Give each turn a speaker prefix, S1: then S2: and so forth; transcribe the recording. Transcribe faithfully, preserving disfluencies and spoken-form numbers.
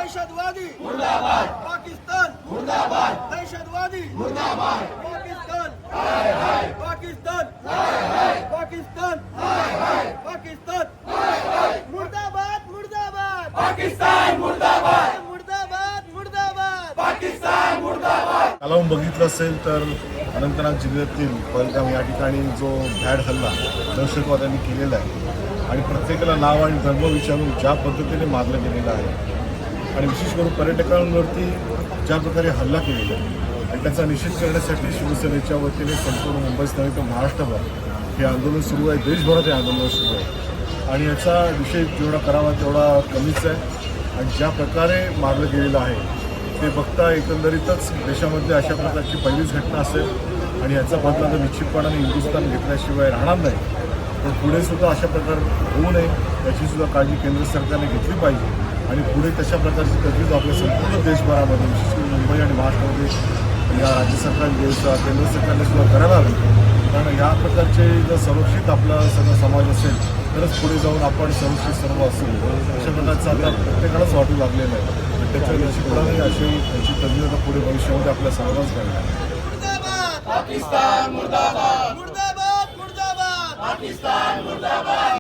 S1: दहशतवादी मुर्दाबाद, पाकिस्तान मुर्दाबाद, दहशतवादी मुर्दाबाद, पाकिस्तान हाय हाय, पाकिस्तान हाय हाय, पाकिस्तान हाय हाय, पाकिस्तान हाय हाय, मुर्दाबाद मुर्दाबाद, पाकिस्तान मुर्दाबाद, मुर्दाबाद मुर्दाबाद, पाकिस्तान मुर्दाबाद।
S2: काल बघितलं असेल तर अनंतनाग जिल्ह्यातील पहलगाम या ठिकाणी जो भ्याड हल्ला दहशतवाद्यांनी केलेला आहे आणि प्रत्येकाला नाव आणि धर्म विचारून ज्या पद्धतीने मारलं गेलेलं आहे आणि विशेष करून पर्यटकांवरती ज्या प्रकारे हल्ला केलेला आहे आणि त्याचा निषेध करण्यासाठी शिवसेनेच्या वतीने संपूर्ण मुंबईत नव्हे तर महाराष्ट्रभर हे आंदोलन सुरू आहे, देशभरात हे आंदोलन सुरू आहे आणि याचा विषय जेवढा करावा तेवढा कमीच आहे। आणि ज्या प्रकारे मारलं गेलेलं आहे ते बघता एकंदरीतच देशामध्ये अशा प्रकारची पहिलीच घटना असेल आणि याचा बदला तर निश्चितपणाने हिंदुस्थान घेतल्याशिवाय राहणार नाही। पण पुढे सुद्धा अशा प्रकार होऊ नये याची सुद्धा काळजी केंद्र सरकारने घेतली पाहिजे आणि पुढे तशा प्रकारची तरतूद आपल्या संपूर्ण देशभरामध्ये विशेष करून मुंबई आणि महाराष्ट्रामध्ये या राज्य सरकार केंद्र सरकारने सुद्धा करायला हवी। कारण या प्रकारचे जर संरक्षित आपला सगळा समाज असेल तरच पुढे जाऊन आपण संरक्षित सर्व असेल अशा प्रकारचं आता प्रत्येकालाच वाटू लागलेलं आहे। त्याच्या निश्चितपणाने अशी याची तज्ञता पुढे भविष्यामध्ये आपल्या सर्वांच करणार।
S1: पाकिस्तान मुर्दाबाद, मुर्दाबाद मुर्दाबाद, पाकिस्तान मुर्दाबाद।